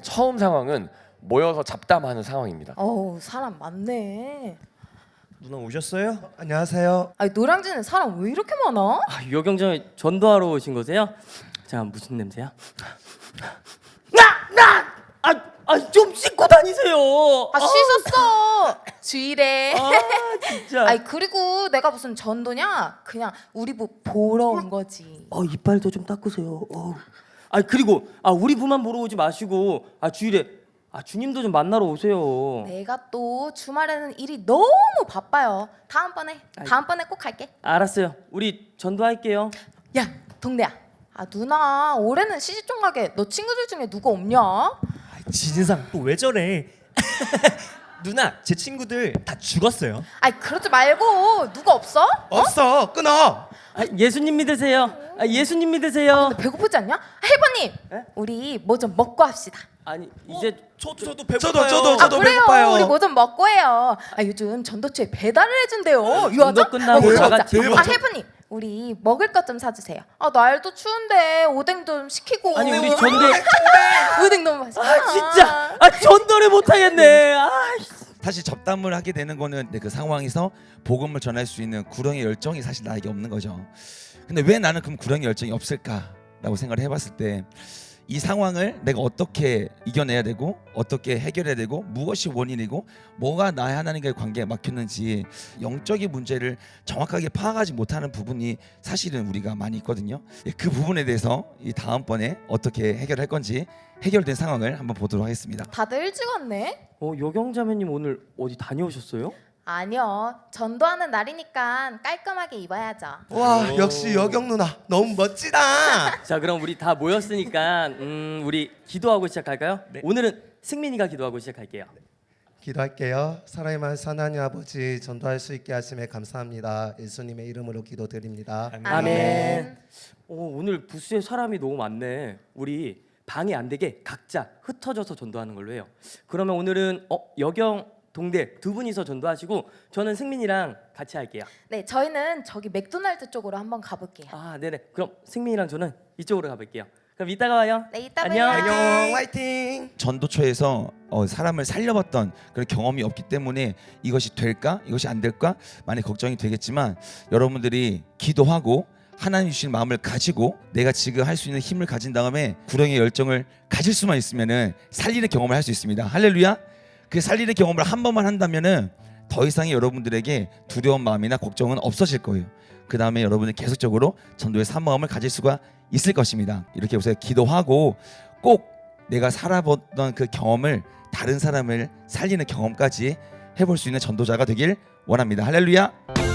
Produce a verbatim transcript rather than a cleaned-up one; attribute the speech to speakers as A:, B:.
A: 처음 상황은 모여서 잡담하는 상황입니다.
B: 어우 사람 많네.
C: 누나 오셨어요?
D: 안녕하세요.
B: 아니 노량진에 사람 왜 이렇게 많아?
E: 아, 요경정에 전도하러 오신 거세요? 자, 무슨 냄새야? 나나아좀 씻고 다니세요.
B: 아 씻었어. 주일에.
E: 아, 진짜.
B: 아니 그리고 내가 무슨 전도냐? 그냥 우리 부 보러 온 거지.
E: 어, 이빨도 좀 닦으세요. 어. 아, 그리고 아 우리 부만 보러 오지 마시고 아 주일에 아 주님도 좀 만나러 오세요.
B: 내가 또 주말에는 일이 너무 바빠요. 다음번에 다음번에 꼭 갈게.
E: 알았어요. 우리 전도할게요.
B: 야 동대야. 아 누나 올해는 시집좀 가게. 너 친구들 중에 누가 없냐?
C: 진상 또 왜 저래? 누나 제 친구들 다 죽었어요.
B: 아이 그러지 말고 누가 없어?
D: 없어. 끊어.
E: 아, 예수님 믿으세요. 아, 예수님 믿으세요.
B: 배고프지 않냐? 헬버님
E: 에?
B: 우리 뭐 좀 먹고 합시다.
E: 아니 이제
C: 저 저도 배고파요.
D: 저도 저도
B: 아
D: 저도
B: 그래요.
D: 배고파요.
B: 우리 뭐 좀 먹고 해요. 아 요즘 전도처에 배달을 해준대요.
E: 전도
B: 유하죠?
E: 끝나고
B: 먹으러
E: 다
B: 가자.
E: 같이
B: 아 헬프님 우리 먹을 것 좀 사주세요. 아 날도 추운데 오뎅 좀 시키고.
E: 아니 우리 전도
B: 오뎅 너무 맛있어.
E: 아 진짜 아 전도를 못 하겠네. 아
F: 사실 접담을 하게 되는 거는 그 상황에서 복음을 전할 수 있는 구령의 열정이 사실 나에게 없는 거죠. 근데 왜 나는 그럼 구령의 열정이 없을까라고 생각을 해봤을 때 이 상황을 내가 어떻게 이겨내야 되고 어떻게 해결해야 되고 무엇이 원인이고 뭐가 나의 하나님과의 관계에 막혔는지 영적인 문제를 정확하게 파악하지 못하는 부분이 사실은 우리가 많이 있거든요. 그 부분에 대해서 이 다음번에 어떻게 해결할 건지 해결된 상황을 한번 보도록 하겠습니다.
B: 다들 일찍 왔네.
E: 어 요경자매님 오늘 어디 다녀오셨어요?
B: 아니요 전도하는 날이니까 깔끔하게 입어야죠.
D: 와 역시 여경 누나 너무 멋지다.
E: 자 그럼 우리 다 모였으니까 음 우리 기도하고 시작할까요?
C: 네.
E: 오늘은 승민이가 기도하고 시작할게요.
D: 기도할게요. 사랑의 많으신 하나님 아버지 전도할 수 있게 하심에 감사합니다. 예수님의 이름으로 기도드립니다.
E: 아멘. 오, 오늘 부스에 사람이 너무 많네. 우리 방해 안 되게 각자 흩어져서 전도하는 걸로 해요. 그러면 오늘은 어 여경 동대 두 분이서 전도하시고 저는 승민이랑 같이 할게요.
B: 네 저희는 저기 맥도날드 쪽으로 한번 가볼게요.
E: 아 네네. 그럼 승민이랑 저는 이쪽으로 가볼게요. 그럼 이따가 와요.
B: 네 이따
E: 안녕.
B: 봐요.
D: 안녕 화이팅.
F: 전도처에서 어, 사람을 살려봤던 그런 경험이 없기 때문에 이것이 될까 이것이 안 될까 많이 걱정이 되겠지만 여러분들이 기도하고 하나님 주신 마음을 가지고 내가 지금 할 수 있는 힘을 가진 다음에 구령의 열정을 가질 수만 있으면은 살리는 경험을 할 수 있습니다. 할렐루야. 그 살리는 경험을 한 번만 한다면은 더 이상의 여러분들에게 두려운 마음이나 걱정은 없어질 거예요. 그 다음에 여러분은 계속적으로 전도의 사모함을 가질 수가 있을 것입니다. 이렇게 우선 기도하고 꼭 내가 살아봤던 그 경험을 다른 사람을 살리는 경험까지 해볼 수 있는 전도자가 되길 원합니다. 할렐루야.